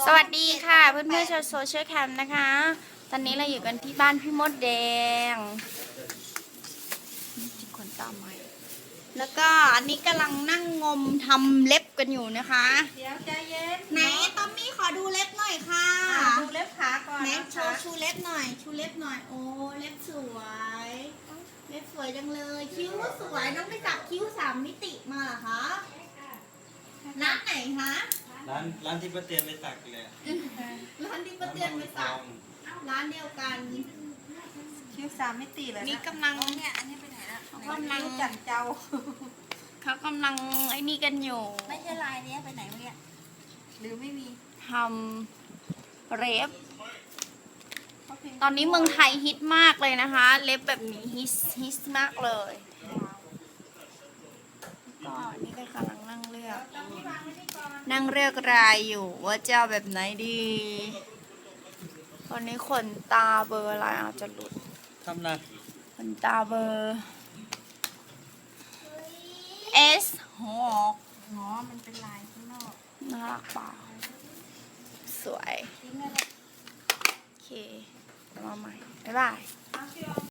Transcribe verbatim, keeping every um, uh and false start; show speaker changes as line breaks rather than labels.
สวัสดีค่ะเพื่อนเพื่อนชาวโซเชียลแคมป์นะคะ ตอนนี้เราอยู่กันที่บ้านพี่มดแดงนี่จิกขนตาไหมแล้วก็อันนี้กำลังนั่งงมทำเล็บกันอยู่นะคะ
เดี๋ยวใจเย็น
ไหนตอมมี่ขอดูเล็บหน่อยค่ะ
ดูเล็บขาก่อน
ไหน
นะ
โช
คะ
ว์ชูเล็บหน่อย ชูเล็บหน่อยโอ้เล็บสวย เล็บสวยจังเลย คิ้วก็สวยน้องไปจับคิ้วสามมิติมาเหรอคะร้านไหนคะ
ร้านร้านที่ป้าเตียนไปสักเลยอะ
ร้านที่ป้าเตือนไปสักร้านเดียวกัน
คิ้วสามมิติเลย
นี่
นะ
กำลัง
เนี่ยอันนี้ไปไหนละ
กำลัง
คิ้วจันเจ้า
เขากำลังไอ้นี่กันอยู่
ไม่ใช่ลายนี้ไปไหนวะเนี่ยหรือไม่มี
ทำเล็บ ตอนนี้เมืองไทยฮิตมากเลยนะคะ เล็บแบบนี้ฮิตฮิตมากเลยก็นี่ก็กำลังนั่งเลือก นั่งเลือกรายอยู่ว่าจะเอาแบบไหนดีตอนนี้ขนตาเบอร์อะไรอาจจะหลุด
ทำนะ
ขนตาเบอร์ S หก
อ๋อมันเป็นลายข้างนอก
น่ารักเปล่าสวย
ทิ้งเลย
โอเคเดี๋ยวมาใหม่ บ๊ายบาย